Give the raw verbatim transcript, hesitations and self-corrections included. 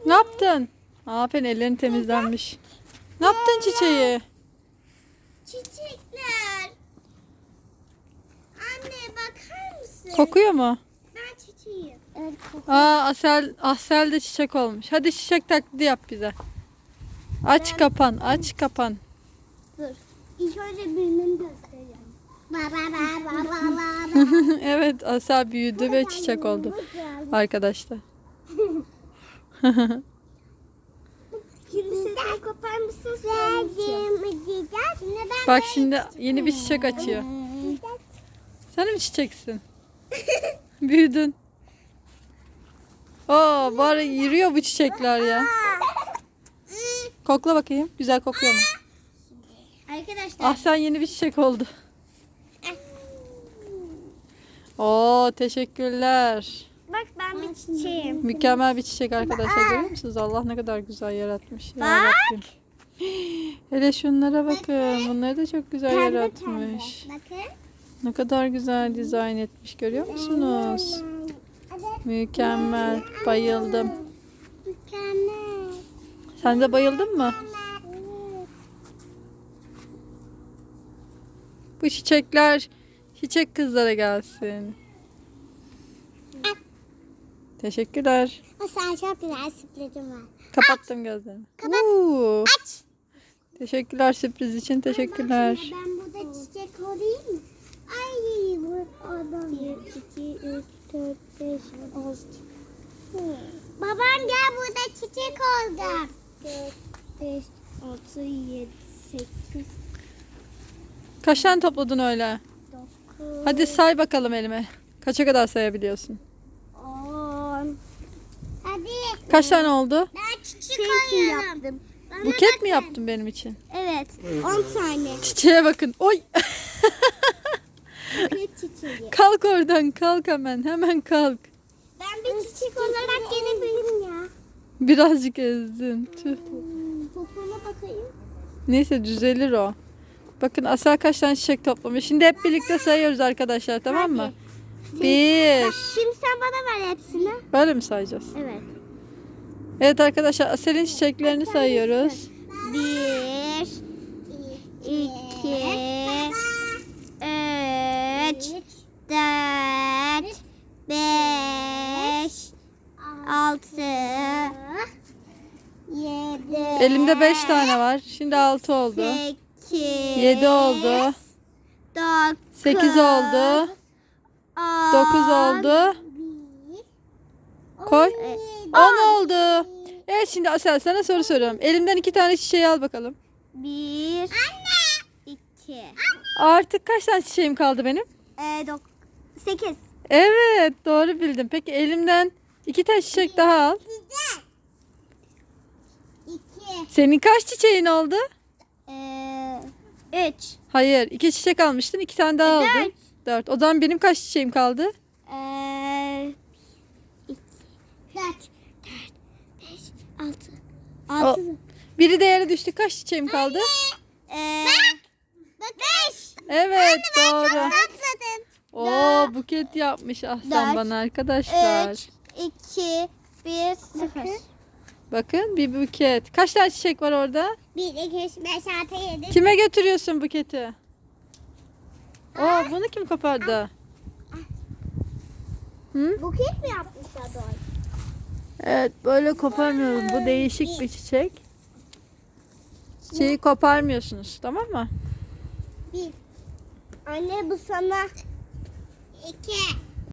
Ne yaptın? Aferin, ellerin temizlenmiş. Ne yaptın çiçeği? Çiçekler. Anne bakar mısın? Kokuyor mu? Ben çiçeğim. Evet kokuyor. Aa, Asel, Asel de çiçek olmuş. Hadi çiçek taklidi yap bize. Aç kapan, aç kapan. Dur. İlk önce birinin göstereceğim. Ba ba ba ba ba ba. Evet, Asel büyüdü ve çiçek oldu arkadaşlar. Şimdi sesini kopar mısın? Verdim. Bak şimdi yeni bir çiçek açıyor. Sen mi çiçeksin? Büyüdün. Aa, bari yürüyor bu çiçekler ya. Kokla bakayım. Güzel kokuyor mu? Arkadaşlar. Ah, sen yeni bir çiçek oldu. Oo, teşekkürler. Bak ben bir çiçeğim. Mükemmel bir çiçek arkadaşlar, görüyor musunuz? Allah ne kadar güzel yaratmış. Ya Bak. Rabbim. Hele şunlara bakın. Bunları da çok güzel Pembe yaratmış. pembe. Bakın. Ne kadar güzel dizayn etmiş, görüyor musunuz? Mükemmel. Bayıldım. Mükemmel. Sen de bayıldın mı? Bu çiçekler çiçek kızlara gelsin. Teşekkürler. Sen çok güzel sürprizim var. Kapattım gözlerimi. Kapat. Oo. Aç. Teşekkürler sürpriz için. Teşekkürler. Ben burada çiçek olayım mı? Ay bu adam. Bir, iki, üç, dört, beş, altı. Babam gel burada çiçek oldu. Dört, beş, altı, yedi, sekiz, Kaç tane topladın öyle? dokuz, Hadi say bakalım elime. Kaça kadar sayabiliyorsun? on. Hadi. Kaç tane oldu? Ben çiçek alıyorum. Yaptım. Buket mi yaptın benim için? Evet. on tane. Çiçeğe bakın. Oy. Buket çiçeği. Kalk oradan, kalk hemen. Hemen kalk. Ben bir çiçek olarak gelebilirim ya. Birazcık ezdin. Tüh. Topluma bakayım. Neyse, düzelir o. Bakın Asel kaç tane çiçek toplamış. Şimdi hep birlikte sayıyoruz arkadaşlar, tamam mı? Bir. Şimdi sen bana ver hepsini. Böyle mi sayacağız? Evet. Evet arkadaşlar, Asel'in çiçeklerini sayıyoruz. Bir, iki, üç, dört, beş, altı, yedi. Elimde beş tane var. Şimdi altı oldu. Sekiz. Yedi oldu. Dokuz. Sekiz oldu. On. Dokuz oldu. Koy. On oldu. Evet, şimdi Asel sana soru soruyorum. Elimden iki tane çiçeği al bakalım. Bir. Anne. İki. Artık kaç tane çiçeğim kaldı benim? Ee, dok sekiz. Evet, doğru bildim. Peki elimden iki tane çiçek daha al. İki. Senin kaç çiçeğin oldu? Ee, üç. Hayır, iki çiçek almıştın. iki tane daha E, dört. aldın. Dört. O zaman benim kaç çiçeğim kaldı? Ee, iki. Dört. Dört. Beş. Altı. O, Altı. biri de yere düştü. Kaç çiçeğim kaldı? Ee, bak. Bak. Beş. Evet, doğru. Atladım. Oo, buket yapmış Ahsen Dört. bana arkadaşlar. Üç. İki. Bir. Sıfır. Bakın, bir buket. Kaç tane çiçek var orada? Bir, iki, üç, beş, altı, yedi. Kime götürüyorsun buketi? Oo, bunu kim kopardı? Hı? Buket mi yapmışlar doğru? Evet, böyle koparmıyorum. Bu değişik bir çiçek. Çiçeği koparmıyorsunuz, tamam mı? Bir. Anne bu sana. İki.